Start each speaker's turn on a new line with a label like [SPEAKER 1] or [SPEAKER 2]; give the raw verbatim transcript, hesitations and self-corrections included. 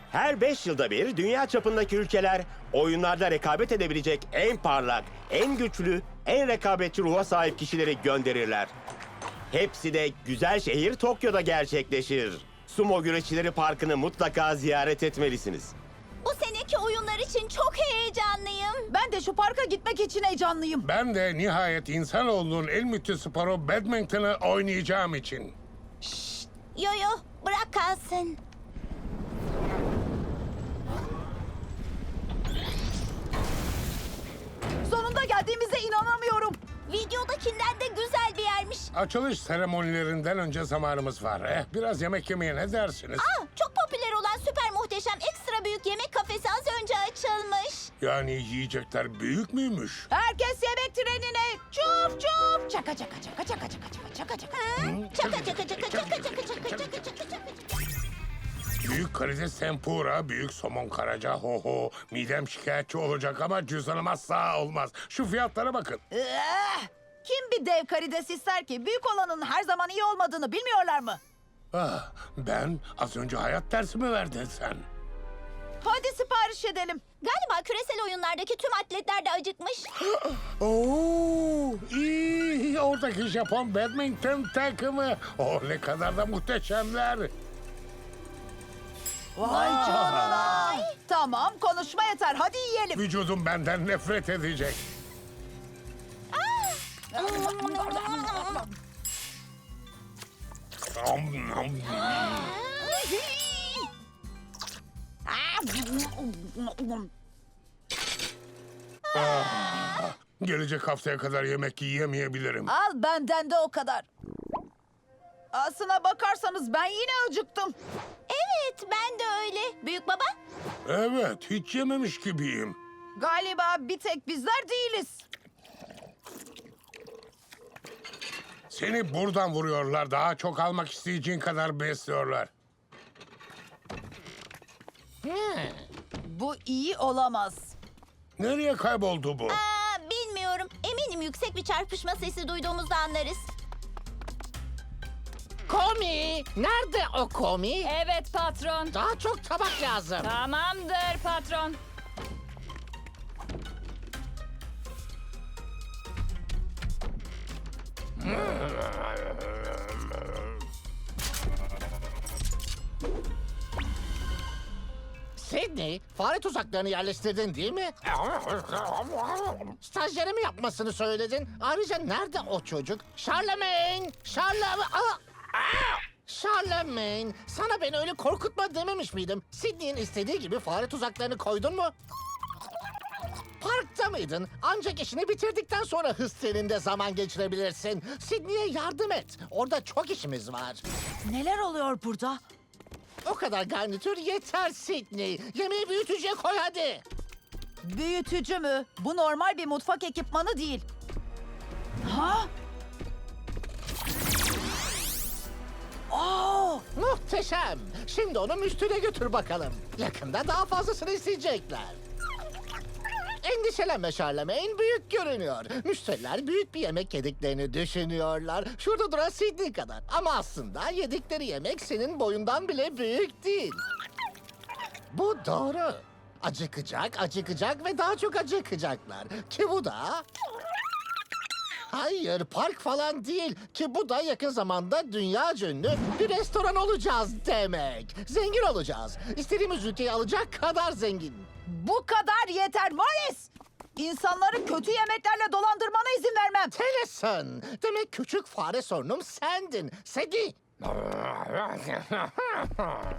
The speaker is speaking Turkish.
[SPEAKER 1] Her beş yılda bir dünya çapındaki ülkeler oyunlarda rekabet edebilecek en parlak, en güçlü, en rekabetçi ruha sahip kişileri gönderirler. Hepsi de güzel şehir Tokyo'da gerçekleşir. Sumo Güreşçileri Parkı'nı mutlaka ziyaret etmelisiniz.
[SPEAKER 2] Bu seneki oyunlar için çok heyecanlıyım.
[SPEAKER 3] Ben de şu parka gitmek için heyecanlıyım.
[SPEAKER 4] Ben de nihayet insanoğlunun en müthiş sporu badminton'ı oynayacağım için.
[SPEAKER 2] Yo yo, bırak kalsın.
[SPEAKER 3] Sonunda geldiğimize inanamıyorum.
[SPEAKER 2] Videodakinden de güzel bir yermiş.
[SPEAKER 4] Açılış seremonilerinden önce zamanımız var. Eh, biraz yemek yemeye ne dersiniz?
[SPEAKER 2] Aa, çok popüler olan süper muhteşem ekstra büyük yemek kafesi az önce açılmış.
[SPEAKER 4] Yani yiyecekler büyük müymüş?
[SPEAKER 3] Herkes yemek trenine. Çuf çuf. Çaka çaka çaka çaka çaka çaka çaka çaka.
[SPEAKER 2] Çaka çaka çaka çaka çaka çaka çaka çaka çaka.
[SPEAKER 4] Büyük karides tempura, büyük somon karaca, ho ho. Midem şikayetçi olacak ama cüzdanım asla olmaz. Şu fiyatlara bakın.
[SPEAKER 3] Eh, Kim bir dev karides ister ki? Büyük olanın her zaman iyi olmadığını bilmiyorlar mı?
[SPEAKER 4] Ah, ben az önce hayat dersi mi verdin sen?
[SPEAKER 3] Hadi sipariş edelim.
[SPEAKER 2] Galiba küresel oyunlardaki tüm atletler de acıkmış.
[SPEAKER 4] Oo, iyi. Oradaki Japon badminton takımı. Oh, ne kadar da muhteşemler.
[SPEAKER 3] Vay canına. Tamam, konuşma yeter. Hadi yiyelim.
[SPEAKER 4] Vücudum benden nefret edecek. Nom, nom. Gelecek haftaya kadar yemek yiyemeyebilirim.
[SPEAKER 3] Al benden de o kadar. Aslına bakarsanız ben yine acıktım.
[SPEAKER 2] Evet, ben de öyle. Büyük baba,
[SPEAKER 4] Evet, hiç yememiş gibiyim.
[SPEAKER 3] Galiba bir tek bizler değiliz.
[SPEAKER 4] Seni buradan vuruyorlar. Daha çok almak isteyeceğin kadar besliyorlar.
[SPEAKER 3] Bu iyi olamaz.
[SPEAKER 4] Nereye kayboldu bu?
[SPEAKER 2] aa, bilmiyorum. Eminim yüksek bir çarpışma sesi duyduğumuzda anlarız.
[SPEAKER 5] Komi! Nerede o komi?
[SPEAKER 6] Evet patron.
[SPEAKER 5] Daha çok tabak lazım.
[SPEAKER 6] Tamamdır patron.
[SPEAKER 5] Sydney, fare tuzaklarını yerleştirdin değil mi? Stajyere mi yapmasını söyledin? Ayrıca nerede o çocuk? Charlemagne! Charlemagne! Aa! Aa! Charlemagne! Sana beni öyle korkutma dememiş miydim? Sydney'in istediği gibi fare tuzaklarını koydun mu? Parkta mıydın? Ancak işini bitirdikten sonra hız treninde zaman geçirebilirsin. Sydney'e yardım et. Orada çok işimiz var.
[SPEAKER 3] Neler oluyor burada?
[SPEAKER 5] O kadar garnitür yeter Sydney. Yemeği büyütücüye koy hadi.
[SPEAKER 3] Büyütücü mü? Bu normal bir mutfak ekipmanı değil. Ha? Oo!
[SPEAKER 5] Muhteşem. Şimdi onu müstüne götür bakalım. Yakında daha fazlasını isteyecekler. Endişelenme Charlemagne, büyük görünüyor. Müşteriler büyük bir yemek yediklerini düşünüyorlar. Şurada duran Sydney kadar. Ama aslında yedikleri yemek senin boyundan bile büyük değil. Bu doğru. Acıkacak, acıkacak ve daha çok acıkacaklar. Ki bu da... Hayır, park falan değil. Ki bu da yakın zamanda dünya ünlü bir restoran olacağız demek. Zengin olacağız. İstediğimiz ülkeyi alacak kadar zengin.
[SPEAKER 3] Bu kadar yeter Morris! İnsanları kötü yemeklerle dolandırmana izin vermem.
[SPEAKER 5] Tennyson, demek küçük fare sorunum sendin. Sedi.